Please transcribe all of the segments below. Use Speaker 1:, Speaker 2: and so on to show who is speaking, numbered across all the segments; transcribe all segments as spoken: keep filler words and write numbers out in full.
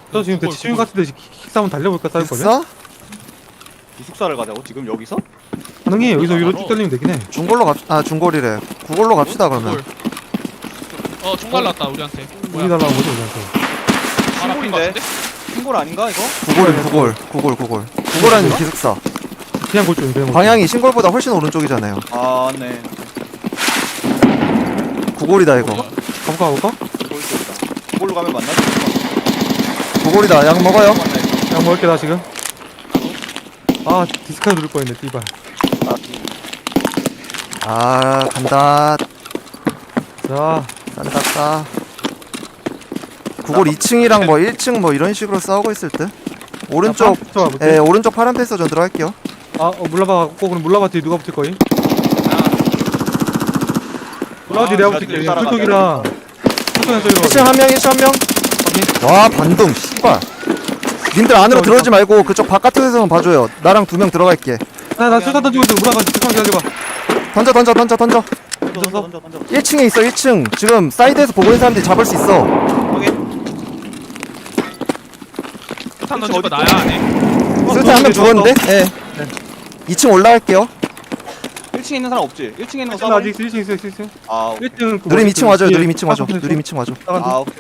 Speaker 1: 저 지금
Speaker 2: 그걸,
Speaker 1: 대치 중인
Speaker 2: 그걸.
Speaker 1: 것 같은데 킥싸움 달려볼까 싸울 거면?
Speaker 3: 있어?
Speaker 4: 기숙사를 가자고 지금 여기서?
Speaker 1: 가능해. 여기서 위로
Speaker 2: 알아.
Speaker 1: 쭉 달리면 되긴 해.
Speaker 3: 중골로 갑, 아 중골이래. 구골로 갑시다 그러면.
Speaker 2: 어, 총 날랐다 우리한테.
Speaker 1: 우리 달라는 거지 우리한테.
Speaker 2: 바로 앞인 것
Speaker 4: 친구인데?
Speaker 2: 같은데?
Speaker 4: 신골 아닌가 이거?
Speaker 3: 구골 구골 구골 구골. 구골은 기숙사.
Speaker 1: 그냥 골조 그냥 골조.
Speaker 3: 방향이 신골보다 훨씬 오른쪽이잖아요.
Speaker 4: 아 네.
Speaker 3: 구골이다 이거.
Speaker 2: 뭐야?
Speaker 1: 가볼까 가볼까?
Speaker 4: 신골 쪽이다. 이걸로 가면 만나지?
Speaker 3: 구골이다. 약 먹어요.
Speaker 1: 그냥 먹을게 나 지금. 아 디스카드 누를 뻔했네 띠발.
Speaker 3: 아 간다.
Speaker 1: 자
Speaker 3: 싼딱따. 구골 이 층이랑 뭐 일 층 뭐 이런 식으로 싸우고 있을 듯. 오른쪽 예 오른쪽 파란 패스 전 들어갈게요.
Speaker 1: 아 어, 물라바 갖고 그럼 물라바 뒤에 누가 붙을 거임? 물라바 뒤에 내가
Speaker 2: 아,
Speaker 1: 붙을게.
Speaker 4: 나도
Speaker 1: 풀톡이랑 풀톡이랑 저기로.
Speaker 3: 일 층 한 명, 일 층 한 명. 와 반동 씨발. 님들 안으로 들어오지 말고 그쪽 바깥에서만 봐줘요. 나랑 두 명 들어갈게.
Speaker 1: 나나 술탄 던지고 있어. 물라바 술탄 기다려봐.
Speaker 3: 던져 던져 던져 던져.
Speaker 4: 던져 던져 던져 던져.
Speaker 3: 일 층에 있어 일 층. 지금 사이드에서 보고 있는 사람들이 잡을 수 있어.
Speaker 4: 확인.
Speaker 2: 탄 던질 거
Speaker 4: 어디
Speaker 2: 나야 아니?
Speaker 3: 술탄 한 명 죽었는데? 예. 이 층 올라갈게요.
Speaker 4: 일 층에 있는 사람 없지? 일 층에 있는 거
Speaker 1: 나
Speaker 4: 싸워?
Speaker 1: 아직 일 층 있어 일 층 있어.
Speaker 4: 아 오케이.
Speaker 1: 일 층
Speaker 3: 누림 이 층 와줘요. 누림 이 층 와줘. 누림 이 층 와줘.
Speaker 4: 아 오케이.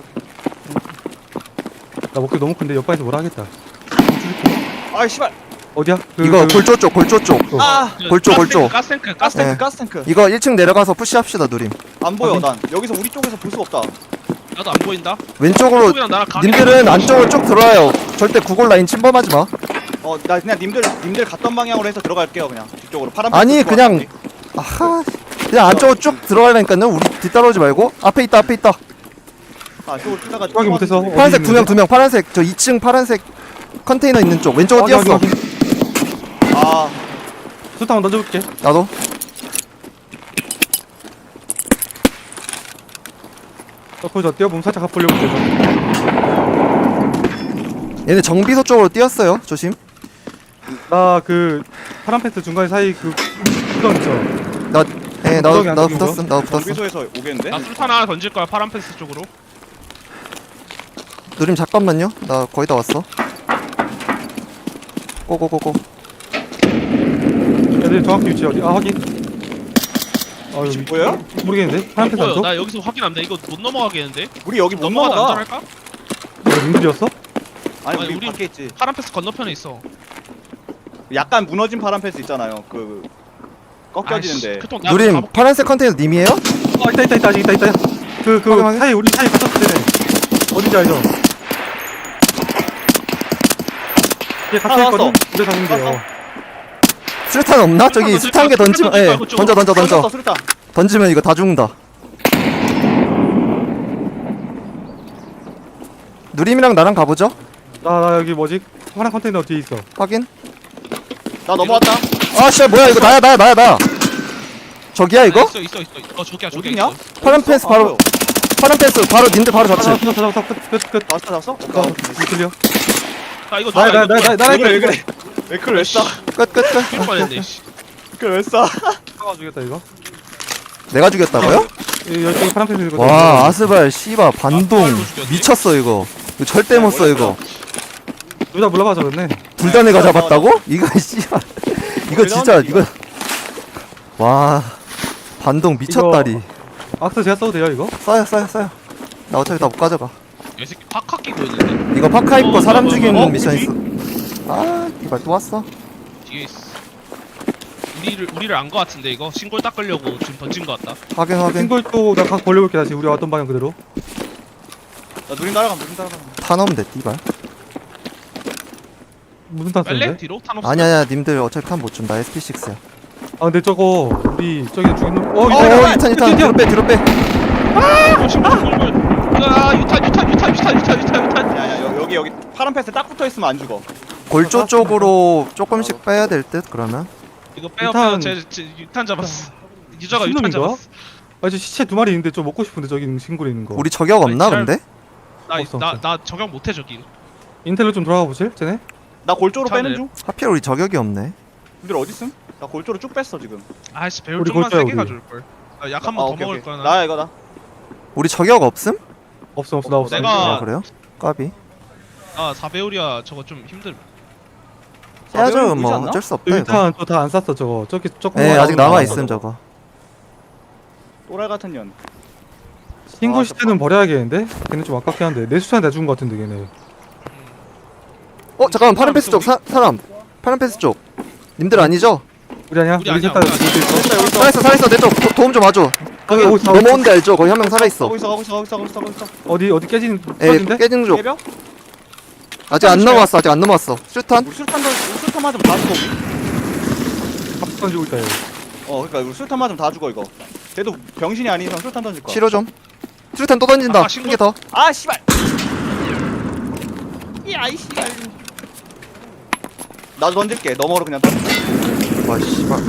Speaker 1: 나 목표 너무 큰데 옆방에서 뭐라 하겠다.
Speaker 4: 아 씨발.
Speaker 1: 어디야? 그,
Speaker 3: 이거
Speaker 1: 그-
Speaker 3: 골조 쪽 골조 쪽.
Speaker 4: 아
Speaker 3: 골조, 골조.
Speaker 2: 가스탱크 가스탱크.
Speaker 4: 가스탱크
Speaker 3: 네.
Speaker 4: 가스탱크.
Speaker 3: 이거 일 층 내려가서 푸시합시다 누림.
Speaker 4: 안 보여 난. 여기서 우리 쪽에서 볼 수가 없다.
Speaker 2: 나도 안 보인다.
Speaker 3: 왼쪽으로
Speaker 2: 형이랑 나랑 가게
Speaker 3: 님들은 안쪽으로 쭉 들어와요. 절대 구골 라인 침범하지 마.
Speaker 4: 어 나 그냥 님들 님들 갔던 방향으로 해서 들어갈게요 그냥 뒤쪽으로 파란.
Speaker 3: 아니,
Speaker 4: 빛
Speaker 3: 그냥-
Speaker 4: 들어왔는데.
Speaker 3: 아하. 그냥 안쪽으로 쭉 들어가려니까요. 우리 뒤따라오지 말고 앞에 있다 앞에 있다.
Speaker 4: 아 쪽으로 뛰다가
Speaker 1: 확인 못해서.
Speaker 3: 파란색 두 명 두 명 파란색 저 이 층 파란색 컨테이너 있는 쪽 왼쪽으로 뛰었어.
Speaker 4: 아
Speaker 1: 술탄 한번 던져볼게.
Speaker 3: 나도.
Speaker 1: 저 거기서 뛰어보면 살짝 가보려고 해서.
Speaker 3: 얘네 정비소 쪽으로 뛰었어요. 조심.
Speaker 1: 나그 파란 패스 중간에 사이 그 구덩 있어.
Speaker 3: 나 예, 나도
Speaker 1: 구덩이 안
Speaker 3: 나도
Speaker 1: 뚫린 거?
Speaker 3: 붙었음. 나도 붙었음.
Speaker 4: 정비소에서 오겠는데?
Speaker 2: 나 술탄 하나 던질 거야 파란 펜스 쪽으로.
Speaker 3: 누림 잠깐만요. 나 거의 다 왔어. 고고고고.
Speaker 1: 애들 정확히 위치 어디? 아 확인. 아
Speaker 4: 위치
Speaker 1: 여기
Speaker 4: 보여요?
Speaker 1: 모르겠는데? 파란 패스
Speaker 2: 보여.
Speaker 1: 안쪽?
Speaker 2: 나 여기서 확인하면 돼. 이거 못 넘어가겠는데?
Speaker 4: 우리 여기 못
Speaker 2: 넘어가도
Speaker 4: 넘어가.
Speaker 2: 안전할까?
Speaker 1: 이거 민들이었어?
Speaker 4: 아니
Speaker 2: 아니,
Speaker 4: 우리
Speaker 2: 우리-
Speaker 4: 밖에 있지.
Speaker 2: 파란 펜스 건너편에 있어.
Speaker 4: 약간 무너진 파란 패스 있잖아요. 그 꺾여지는데.
Speaker 2: 그통 나
Speaker 3: 누림 파란색 컨테이너 님이에요?
Speaker 1: 아 있다 있다 있다 아직 있다 있다. 그그
Speaker 3: 확인, 확인.
Speaker 1: 사이 우리 사이 갔었을 때네. 어딘지 알죠? 얘 같이
Speaker 4: 하나
Speaker 1: 있거든.
Speaker 4: 왔어.
Speaker 1: 우리 잡은 게요.
Speaker 4: 왔어.
Speaker 3: 수류탄 없나? 저기
Speaker 2: 수류탄
Speaker 3: 수탄 개 던지면
Speaker 2: 던질
Speaker 3: 예
Speaker 2: 거야, 그쪽으로.
Speaker 3: 던져 던져 던져
Speaker 4: 던졌어, 수류탄.
Speaker 3: 던지면 이거 다 죽는다. 누림이랑 나랑 가보죠.
Speaker 1: 나, 나 여기 뭐지? 파란 컨테이너 뒤에 있어.
Speaker 3: 확인.
Speaker 4: 나 넘어왔다.
Speaker 3: 아씨 뭐야 이거 나야 나야 나야 나. 저기야 이거?
Speaker 2: 있어 있어 있어. 어 저기야 저기
Speaker 4: 어딨냐?
Speaker 2: 있어.
Speaker 3: 파란 패스
Speaker 4: 아,
Speaker 3: 바로
Speaker 4: 보여.
Speaker 3: 파란 패스 바로 님들 바로
Speaker 1: 잡았어,
Speaker 3: 잡지.
Speaker 1: 잡았어, 잡았어. 끝, 끝, 끝.
Speaker 4: 잡았어, 잡았어?
Speaker 1: 어, 이틀려.
Speaker 2: 나 이거
Speaker 1: 나, 나, 나, 나, 나,
Speaker 4: 왜 그래, 왜 그래? 왜 그걸 왜 써?
Speaker 3: 끝 끝 끝.
Speaker 2: 뛸 뻔했네. 씨.
Speaker 4: 그걸 왜 써?
Speaker 1: 가 주겠다 이거.
Speaker 3: 내가 죽였다고요?
Speaker 1: 이 열정이 파란 패스 이거.
Speaker 3: 와 아스발 씨바 반동
Speaker 2: 아, 죽였네.
Speaker 3: 미쳤어 이거. 이거 절대 못 써 이거.
Speaker 1: 둘 다 몰라봐 저랬네.
Speaker 3: 둘 다 내가 잡았다고? 이거 씨발. 이거 진짜 이거. 와 반동 미쳤다리.
Speaker 1: 악스 제가 써도 돼요 이거?
Speaker 3: 써요 써요 써요. 나 어차피 다 못 가져가.
Speaker 2: 이 새끼 파카 끼고 있는데.
Speaker 3: 이거 파카 입고
Speaker 2: 어,
Speaker 3: 사람
Speaker 2: 어,
Speaker 3: 죽이는
Speaker 2: 어,
Speaker 3: 미션
Speaker 4: 어디?
Speaker 3: 있어. 아 이발 또 왔어.
Speaker 2: 뒤에 있어. 우리를 우리를 안 거 같은데 이거 신골 닦으려고 지금 던진 거 같다.
Speaker 3: 확인 확인.
Speaker 1: 싱글 또나각 벌려볼게 다시 우리 왔던 방향 그대로.
Speaker 4: 나 누림 따라가, 누림 따라가.
Speaker 3: 타 넣으면 돼 띠발.
Speaker 1: 무슨 탄
Speaker 2: 빨래
Speaker 1: 쓰는데?
Speaker 2: 뒤로 탄 없어.
Speaker 3: 아니 아니야 님들 어차피 탄 못 준다. 에스피 식스야.
Speaker 1: 아 근데 저거 우리 저기 죽인 놈. 어
Speaker 3: 어
Speaker 1: 이거
Speaker 3: 유탄 유탄 뒤로 빼 뒤로 빼.
Speaker 2: 어, 신골 신골. 야 유탄 유탄 유탄 유탄 유탄 유탄 유탄.
Speaker 4: 야, 야, 여기, 여기, 파란 패스 딱 붙어 있으면 안 죽어.
Speaker 3: 골조 쪽으로 조금씩 빼야 될 듯 그러면.
Speaker 2: 이거 빼요
Speaker 1: 유탄-
Speaker 2: 빼요. 제, 제 유탄 잡았어. 유저가 유탄
Speaker 1: 신놈인가?
Speaker 2: 잡았어.
Speaker 1: 아 저 시체 두 마리 있는데 좀 먹고 싶은데 저기 싱글에 있는 거.
Speaker 3: 우리 저격 없나
Speaker 2: 아니,
Speaker 3: 근데?
Speaker 1: 없어,
Speaker 2: 나나
Speaker 1: 없어.
Speaker 2: 나 적용 못해 저기.
Speaker 1: 인텔로 좀 돌아가 보실? 쟤네?
Speaker 4: 나 골조로
Speaker 2: 차네.
Speaker 4: 빼는 중.
Speaker 3: 하필 우리 저격이 없네.
Speaker 4: 님들 어디 있음? 나 골조로 쭉 뺐어 지금.
Speaker 2: 아이씨 배울
Speaker 1: 우리
Speaker 2: 좀만
Speaker 1: 골자야,
Speaker 2: 세게
Speaker 1: 우리.
Speaker 2: 가줄 걸. 약 한 번 더 먹을 거야. 나.
Speaker 4: 나야 이거 나.
Speaker 3: 우리 저격 없음?
Speaker 1: 없어 없어 나 없어.
Speaker 2: 내가-
Speaker 3: 아 그래요? 까비.
Speaker 2: 아 사배우리야 저거 좀 힘들.
Speaker 3: 해야죠
Speaker 4: 사배율 보이지
Speaker 3: 뭐
Speaker 4: 않나?
Speaker 3: 어쩔 수 없다 이거.
Speaker 1: 일단 또 다 안 쌌어 저거. 저기 조금.
Speaker 3: 네 아직 남아 있음 저거.
Speaker 4: 또랄 같은 년.
Speaker 1: 싱글
Speaker 4: 아,
Speaker 1: 시트는 버려야겠는데? 걔는 좀 아깝긴 한데 내 수찬 내준 것 같은데 걔네.
Speaker 3: 어 잠깐만 파란 패스 쪽 사, 사람. 파란 패스 쪽. 님들 아니죠?
Speaker 1: 우리 아니야?
Speaker 2: 우리
Speaker 1: 우리
Speaker 2: 아니야,
Speaker 1: 셋다
Speaker 2: 우리 아니야.
Speaker 4: 있어 여기 있어.
Speaker 3: 살아있어 살아있어 내 쪽 도움 좀 와줘.
Speaker 1: 거기
Speaker 3: 여기
Speaker 1: 거기 다
Speaker 3: 넘어온 데 알죠? 거기 한 명 살아있어.
Speaker 4: 가고 있어 가고 있어 가고 있어 가고 있어 가고 있어.
Speaker 1: 어디 어디 깨진
Speaker 3: 예
Speaker 1: 터진데?
Speaker 3: 깨진 쪽.
Speaker 4: 깨벽?
Speaker 3: 아직 안 넘어왔어 아직 안 넘어왔어. 슈탄?
Speaker 4: 우리 술탄 던 술탄 맞으면 다 죽어 우리.
Speaker 1: 밥 던지고 있다 얘.
Speaker 4: 어 그러니까 우리 술탄 맞으면 다 죽어 이거. 걔도 병신이 아닌 이상 술탄 던질 거야.
Speaker 3: 치료 좀. 슈탄 또 던진다.
Speaker 2: 아까
Speaker 3: 한
Speaker 2: 신고-
Speaker 3: 개 더.
Speaker 4: 아 씨발. 야이 씨발. 나도 던질게. 너머로 그냥 던져.
Speaker 3: 와 씨발.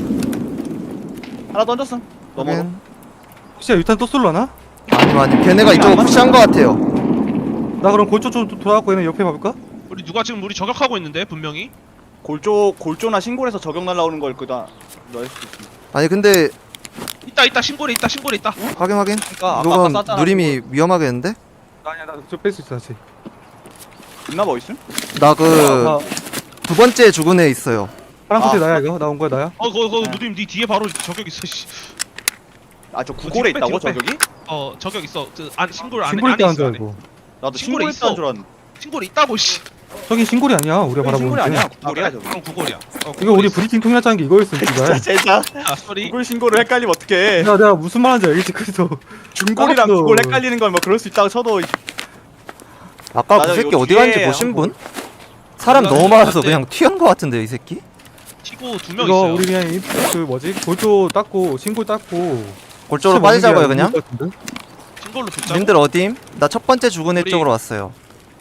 Speaker 4: 하나 던졌음. 너머로.
Speaker 3: 확인.
Speaker 1: 혹시 유탄 또 쏠라나?
Speaker 3: 아니 아니 걔네가 이쪽으로 푸시한 거 같아요.
Speaker 1: 나 그럼 골조 좀 돌아갖고 얘네 옆에 봐볼까?
Speaker 2: 우리 누가 지금 우리 저격하고 있는데 분명히.
Speaker 4: 골조 골조나 신골에서 저격 날라오는 걸 그다 넣을 수도 있어.
Speaker 3: 아니 근데
Speaker 2: 있다 있다 신골에 있다 신골에 있다.
Speaker 3: 확인 확인.
Speaker 4: 그러니까 아까 아까
Speaker 3: 이건
Speaker 4: 쐈잖아.
Speaker 3: 누림이 위험하겠는데?
Speaker 1: 아니야 나저뺄 수 있어 다시.
Speaker 4: 있나 뭐 있음?
Speaker 3: 나 그
Speaker 1: 아,
Speaker 3: 두 번째 죽은 애 있어요.
Speaker 1: 파란
Speaker 4: 아.
Speaker 1: 코트 나야 이거? 나온 거야 나야?
Speaker 2: 어 거기 거기
Speaker 4: 네.
Speaker 2: 누님 네 뒤에 바로 저격 있어. 씨.
Speaker 4: 아저 구골에
Speaker 2: 뒤로 빼,
Speaker 4: 있다고
Speaker 2: 뒤로 빼.
Speaker 4: 저격이?
Speaker 2: 어 저격 있어. 그안 신골 안에
Speaker 1: 신골
Speaker 2: 안에
Speaker 1: 때한
Speaker 2: 있어
Speaker 1: 줄
Speaker 2: 안에.
Speaker 1: 알고.
Speaker 4: 나도
Speaker 2: 신골에
Speaker 4: 신골에
Speaker 2: 있어.
Speaker 4: 있다는 줄 알았는데.
Speaker 2: 신골에 있다고 씨.
Speaker 1: 저기 신골이 아니야 우리가
Speaker 4: 저기
Speaker 1: 바라보는
Speaker 4: 신골이
Speaker 1: 게.
Speaker 4: 아니야 구골이야
Speaker 2: 아,
Speaker 4: 저기.
Speaker 2: 그럼 구골이야. 어,
Speaker 1: 이거
Speaker 2: 구골에
Speaker 1: 우리
Speaker 2: 있어.
Speaker 1: 브리핑 통일하자는 게 이거였어 진짜.
Speaker 4: 제자
Speaker 2: 아 소리.
Speaker 4: 구골 신골을 헷갈리면 어떡해.
Speaker 1: 내가 내가 무슨 말하는지 알겠지 그래서.
Speaker 4: 중골이랑
Speaker 1: 알았어.
Speaker 4: 구골 헷갈리는 건 뭐 그럴 수 있다고 쳐도
Speaker 3: 아까
Speaker 4: 맞아,
Speaker 3: 그 새끼
Speaker 4: 이거
Speaker 3: 어디 간지
Speaker 4: 뒤에
Speaker 3: 보신
Speaker 4: 한번
Speaker 3: 분? 사람
Speaker 2: 몰라,
Speaker 3: 너무 많아서
Speaker 2: 몰라.
Speaker 3: 그냥 튀은 거 같은데 이 새끼?
Speaker 2: 티고 두 명
Speaker 1: 이거
Speaker 2: 있어요.
Speaker 1: 우리 그냥 이- 그 뭐지 골조 닦고 신골 닦고.
Speaker 3: 골조로 빠지자고요 그냥?
Speaker 2: 신골로 붙자고.
Speaker 3: 님들 어dim? 나 첫 번째 죽은 애
Speaker 2: 우리-
Speaker 3: 쪽으로 왔어요.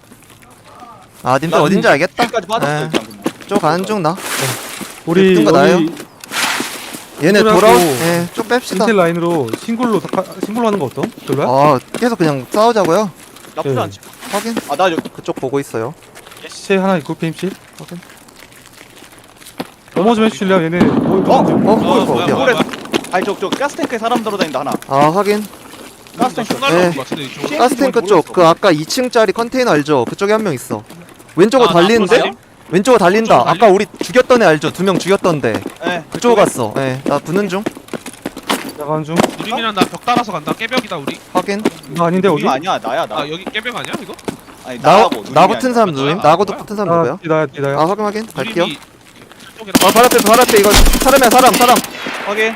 Speaker 3: 아 님들
Speaker 4: 나
Speaker 3: 어딘지 알겠다.
Speaker 4: 까지 빠졌어
Speaker 3: 예.
Speaker 4: 일단 그냥.
Speaker 3: 쪽 가는 중 나.
Speaker 1: 우리
Speaker 3: 뜬거 나요?
Speaker 1: 여기
Speaker 3: 얘네
Speaker 1: 신골하고
Speaker 3: 돌아. 예, 쭉 뺍시다.
Speaker 1: 인텔 라인으로 신골로 다- 신골로 하는 거 어떤? 별로야?
Speaker 3: 아 계속 그냥 싸우자고요.
Speaker 4: 나쁘지
Speaker 1: 네.
Speaker 4: 않지.
Speaker 3: 확인.
Speaker 4: 아나 여기
Speaker 3: 그쪽 보고 있어요.
Speaker 1: 시체 하나 있고 피임실.
Speaker 3: 확인.
Speaker 1: 넘어 좀 해주실래요? 얘네 뭐
Speaker 3: 어? 어?
Speaker 1: 어?
Speaker 3: 그거
Speaker 2: 어,
Speaker 3: 이거
Speaker 2: 뭐야,
Speaker 3: 어디야?
Speaker 2: 뭐야.
Speaker 4: 아니 저저 가스탱크에 사람 들어다닌다 하나.
Speaker 3: 아 확인.
Speaker 4: 가스탱크.
Speaker 2: 총 날라온
Speaker 3: 예.
Speaker 2: 것 같은데 이쪽.
Speaker 4: 시-
Speaker 3: 가스탱크
Speaker 4: 모르겠어.
Speaker 3: 쪽 그 아까 이 층짜리 컨테이너 알죠? 그쪽에 한 명 있어. 왼쪽으로
Speaker 2: 아,
Speaker 3: 달리는데?
Speaker 2: 나쁘지?
Speaker 3: 왼쪽으로 달린다.
Speaker 2: 왼쪽으로
Speaker 3: 아까 우리 죽였던 애 알죠? 두 명 죽였던데.
Speaker 4: 예.
Speaker 3: 그쪽으로 갔어. 예, 나 붙는 중.
Speaker 1: 나가는 중.
Speaker 2: 누림이랑 나 벽 따라서 간다. 깨벽이다 우리.
Speaker 3: 확인.
Speaker 1: 나 아닌데 어디?
Speaker 4: 누님 아니야 나야 나.
Speaker 2: 아 여기 깨벽 아니야 이거?
Speaker 4: 아니
Speaker 3: 나,
Speaker 4: 나하고 누님이
Speaker 3: 나 붙은
Speaker 4: 아니야.
Speaker 3: 사람
Speaker 2: 아,
Speaker 3: 누구임?
Speaker 2: 아,
Speaker 3: 나하고도
Speaker 2: 뭐야?
Speaker 3: 붙은 사람
Speaker 1: 나
Speaker 3: 누구야?
Speaker 1: 디다야 디다야.
Speaker 3: 아 확인 확인. 갈게요.
Speaker 2: 누림이 저쪽이랑
Speaker 3: 아 바로 앞에 바로 앞에 이거 사람이야 사람 사람.
Speaker 4: 확인.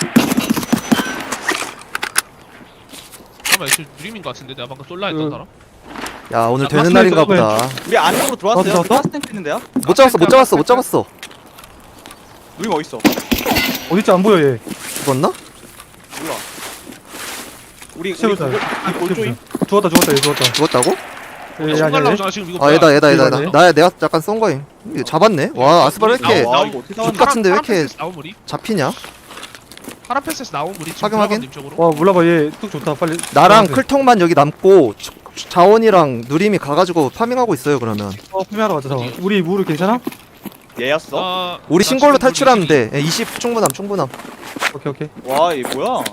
Speaker 2: 잠깐만 이거 누림인 것 같은데 내가 방금 쏠라 했던
Speaker 1: 그-
Speaker 2: 사람.
Speaker 3: 야 오늘
Speaker 1: 아,
Speaker 3: 되는
Speaker 1: 맞네,
Speaker 3: 날인가
Speaker 1: 그거네.
Speaker 3: 보다.
Speaker 4: 우리 안쪽으로 들어왔어요.
Speaker 1: 어, 들어왔어?
Speaker 4: 가스탱크 있는데요?
Speaker 3: 못 잡았어 못 잡았어 못 잡았어.
Speaker 4: 누님 어디 있어?
Speaker 1: 어딨지 안 보여 얘.
Speaker 3: 죽었나?
Speaker 4: 몰라. 우리 우리
Speaker 1: 세우자.
Speaker 4: 구골 이 골조임.
Speaker 1: 죽었다 죽었다 얘 죽었다.
Speaker 3: 죽었다고?
Speaker 1: 얘
Speaker 2: 총
Speaker 1: 아니야 얘.
Speaker 2: 날라오잖아 지금 이거.
Speaker 3: 아 얘다 얘다 얘다
Speaker 1: 이거네.
Speaker 3: 얘다. 나야 내가 약간 쏜 거임. 이거 잡았네. 와 아스발 왜 이렇게
Speaker 2: 나오-
Speaker 4: 와
Speaker 2: 나오-
Speaker 4: 이거 어떻게
Speaker 3: 죽
Speaker 4: 잡았냐?
Speaker 3: 같은데 왜 이렇게
Speaker 2: 나온 물이?
Speaker 3: 잡히냐?
Speaker 2: 파란 패스에서 나온 물이 지금
Speaker 3: 확인, 확인.
Speaker 2: 들어간 쪽으로.
Speaker 1: 와 몰라봐 얘 뚝 좋다 빨리.
Speaker 3: 나랑
Speaker 1: 들어가세요.
Speaker 3: 클통만 여기 남고 자- 자원이랑 누림이 가가지고 파밍하고 있어요 그러면.
Speaker 1: 어 구매하러 가자 잠깐. 우리 무르 괜찮아?
Speaker 4: 얘였어?
Speaker 2: 아,
Speaker 3: 우리
Speaker 2: 나
Speaker 3: 신골로
Speaker 2: 지금
Speaker 3: 탈출하면
Speaker 2: 물이
Speaker 3: 돼. 예, 이십 충분함 충분함.
Speaker 1: 오케이 오케이.
Speaker 4: 와, 얘 뭐야?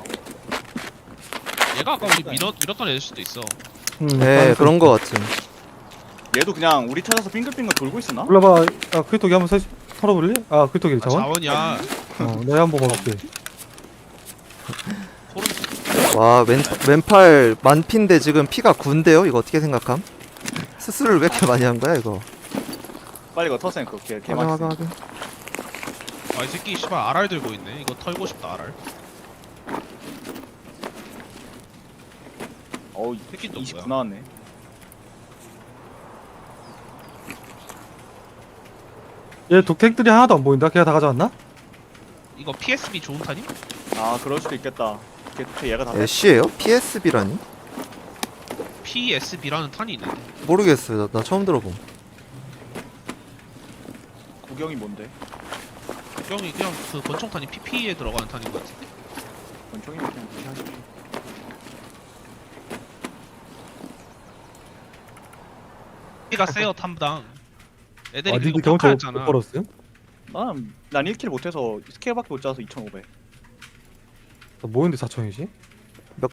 Speaker 2: 얘가 아까 우리 밀었 밀었던 애일 수도 있어.
Speaker 1: 음,
Speaker 3: 네 그런 거 같음.
Speaker 4: 얘도 그냥 우리 찾아서 빙글빙글 돌고 있었나?
Speaker 1: 몰라봐. 아 크리토기 한번 사, 털어볼래? 아 크리토기
Speaker 2: 아,
Speaker 1: 자원?
Speaker 2: 자원이야.
Speaker 1: 어 내가 한번 먹어볼게.
Speaker 2: 소름.
Speaker 3: 와 왼, 왼팔 만피인데 지금 피가 군데요? 이거 어떻게 생각함? 수술을 왜 이렇게 많이 한 거야 이거?
Speaker 4: 빨리 이거 터생 그렇게 개
Speaker 3: 확인
Speaker 4: 맛있어.
Speaker 3: 확인 확인.
Speaker 2: 아 이 새끼 씨발 알알 들고 있네. 이거 털고 싶다 알알.
Speaker 4: 어우,
Speaker 2: 새끼 또
Speaker 4: 이십구
Speaker 2: 뭐야?
Speaker 4: 나왔네.
Speaker 1: 얘 독택들이 하나도 안 보인다. 걔가 다 가져왔나?
Speaker 2: 이거 피에스비 좋은 탄임?
Speaker 4: 아, 그럴 수도 있겠다. 걔, 걔 얘가 다
Speaker 3: 애쉬에요? 피에스비라니?
Speaker 2: 피에스비라는 탄이 있는데.
Speaker 3: 모르겠어요. 나, 나 처음 들어봄.
Speaker 4: 구경이 뭔데?
Speaker 2: 형이 그냥 그 권총탄이 피피에 들어가는 탄인 것 같은데.
Speaker 4: 권총이 그냥 무시하시지.
Speaker 2: 피가 세요 탐당. 애들이
Speaker 1: 아
Speaker 2: 그리고
Speaker 1: 니들 경험치 못
Speaker 2: 평가했잖아.
Speaker 1: 벌었음?
Speaker 4: 난, 난 일 킬 못해서 스케일밖에 못 짜서 이천오백.
Speaker 1: 나 뭐였는데 사천이지?